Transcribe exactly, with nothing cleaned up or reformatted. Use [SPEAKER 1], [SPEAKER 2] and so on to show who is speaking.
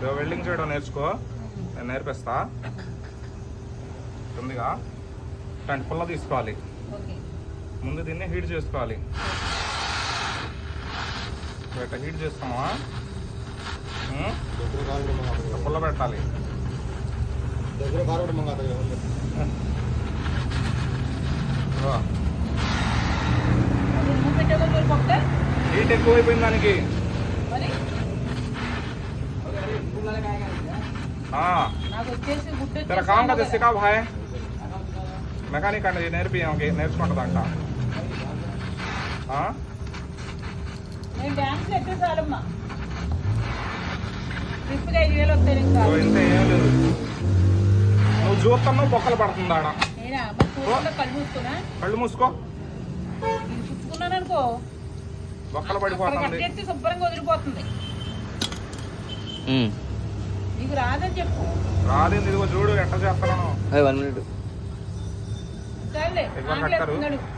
[SPEAKER 1] Welding చేయడం నేర్చుకో, నేను నేర్పిస్తా. ఉందిగా ఇట్లాంటి పుల్ల తీసుకోవాలి. ముందు దీన్ని హీట్ చేసుకోవాలి. ఇట్లా హీట్ చేస్తామా, పుల్ల పెట్టాలి. హీట్ ఎక్కువైపోయింది దానికి. తెర కామ్ కదా సికా భాయ్, మెకానిక్ అండి నేర్పి నేర్చుకుంటుందంట. ఇంత ఏం లేదు, నువ్వు చూస్తున్నావు బొక్కలు పడుతుంది ఆడ. కళ్ళు మూసుకో,
[SPEAKER 2] అనుకో
[SPEAKER 1] బొక్కలు పడిపోతుంది,
[SPEAKER 2] శుభ్రంగా వదిలిపోతుంది. నీకు రాదని చెప్పు.
[SPEAKER 1] రాదేంది, ఇదిగో చూడు ఎట్లా చేస్తాను.
[SPEAKER 2] సరే